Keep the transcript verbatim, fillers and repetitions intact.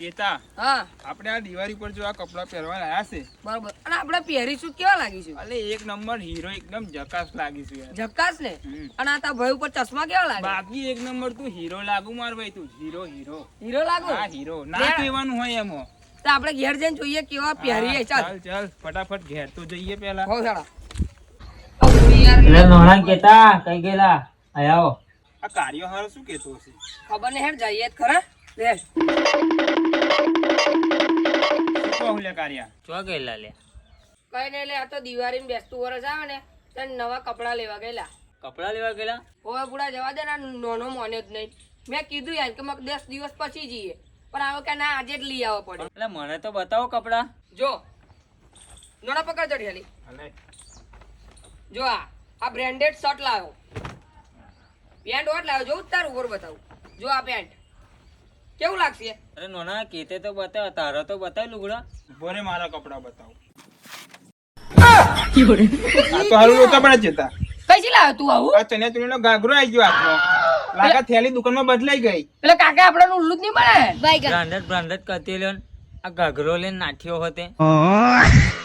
કેતા હા આપણે આ દિવાળી પર જો આ કપડા પહેરવા લાયા છે બરોબર અને આપણે પહેરીશું કેવા લાગીશું અલે એક નંબર હીરો એકદમ જકાસ લાગીશું યાર ઝકાસ ને હમ. અને આ તા ભાઈ ઉપર ચશ્મા કેવા લાગે બાકી એક નંબર તું હીરો લાગુ માર ભાઈ તું હીરો હીરો હીરો લાગુ હા હીરો ના લે. કહેવાનું હોય એમાં તો આપણે ઘેર જઈને જોઈએ કેવા પહેરીએ હા, ચાલ ચાલ ચાલ ફટાફટ ઘેર તો જઈએ પેલા હો સાડા યાર એટલે નોણા કેતા કઈ ગયેલા આયા આવો આ કાર્યો હારો શું કેતો હશે ખબર ને હેડ જઈએ જ ખરા લે શું કહું લે કાર્યા ચો ગયેલા લે કઈ નહીં લે આ તો દિવાળી બેસતું વરસ આવે ને ત્યારે નવા કપડા લેવા ગયેલા કપડા લેવા ગયેલા હવે પૂરા જવા દે ને આ નોનો મોન્યો જ નહીં મેં કીધું યાર કે મગ દસ દિવસ પછી જઈએ પણ આવે કે ના આજે જ લઈ આવવો પડે એટલે મને તો બતાવો કપડા જો નોના પકડ ચડિયાલી અલે જો આ આ બ્રાન્ડેડ શર્ટ લાવ્યો પેન્ટ ઓટ લાવ્યો જો તાર ઉપર બતાવું જો આ પેન્ટ કેવું લાગશે અરે નોના કેતે તો બતાવ તારો તો બતાવ લુગડા બોરે મારા કપડા બતાવો આ તો હારું લોચા પડે જતા કઈથી લાવ્યો તું આવું આ ચણિયા ચોળીનો ગાઘરો આવી ગયો હાથમાં લાગા થેલી દુકાનમાં બદલાઈ ગઈ એટલે કાકા આપડે ઉલ્લુ જ નહીં મળે બ્રાન્ડેડ બ્રાન્ડેડ કરતી લ્યો ને. આ ઘાઘરો લઈને નાઠ્યો હોતે